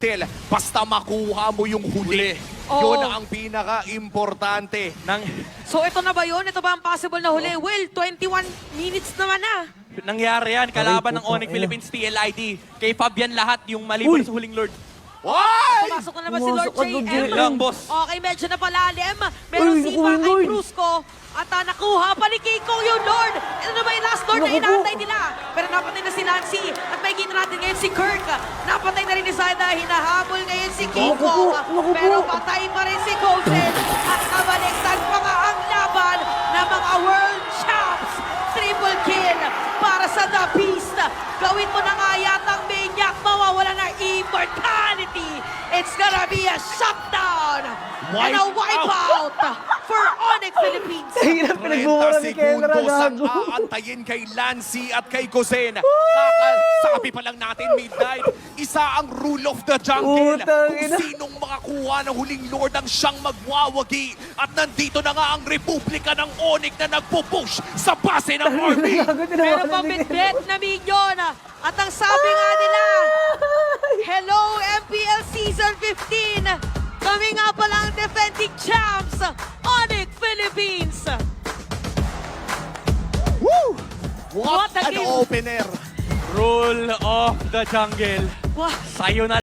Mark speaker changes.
Speaker 1: Basta makuha mo yung huli.
Speaker 2: Oo.
Speaker 1: Yun ang pinaka-importante.
Speaker 2: So ito na ba yun? Ito ba ang possible na huli? Will, 21 minutes naman na.
Speaker 3: Nangyari yan, kalaban ng
Speaker 4: putang
Speaker 3: Onyx
Speaker 4: ina.
Speaker 3: Philippines TLID. Kay Fabian lahat, yung maliban sa huling Lord.
Speaker 1: Why?
Speaker 2: Pumasok na naman si Lord
Speaker 4: Pumasok ka, Lord
Speaker 2: JM.
Speaker 3: Lang, boss.
Speaker 2: Okay, medyo napalalim. Meron
Speaker 4: Uy,
Speaker 2: sipa
Speaker 4: naku,
Speaker 2: kay
Speaker 4: Lord.
Speaker 2: Brusco. At nakuha pa ni Kiko yung Lord. Ito na ba yung last Lord na
Speaker 4: Naku po.
Speaker 2: inaantay nila? Pero napatay na si Nancy. At may kita natin ngayon si Kirk. Napatay na rin ni Sana. Hinahabol ngayon si Kiko.
Speaker 4: Naku po, naku po.
Speaker 2: Pero patay pa rin si Gosen. At nabaliktad pa nga ang laban ng mga World Champs. Triple kill para sa The Beast. Gawin mo na nga yatang Maniac. Mawawala ng immortality. It's gonna be a shutdown and a wipeout for Onyx Philippines.
Speaker 4: Hirap
Speaker 1: 30
Speaker 4: pinagmumura ni Kendra,
Speaker 1: segundos ang
Speaker 4: gago.
Speaker 1: aantayin kay Lancy at kay Gosen. Sabi pa lang natin, midnight, isa ang rule of the jungle.
Speaker 4: Putang
Speaker 1: Kung
Speaker 4: ina.
Speaker 1: sinong makakuha ng huling Lord ang siyang magwawagi. At nandito na nga ang Republika ng Onyx na nagpupush sa base ng army.
Speaker 4: Gago,
Speaker 2: Pero
Speaker 4: tinawanan ni
Speaker 2: pabitbit na minion. At ang sabi nga nila, hello MPL Season 15. Kami nga pala ang defending champs, Onyx Philippines.
Speaker 1: Woo!
Speaker 2: What
Speaker 1: What
Speaker 2: a
Speaker 1: an
Speaker 2: game.
Speaker 1: opener!
Speaker 3: Rule of the jungle.
Speaker 2: Wow.
Speaker 3: Sa'yo na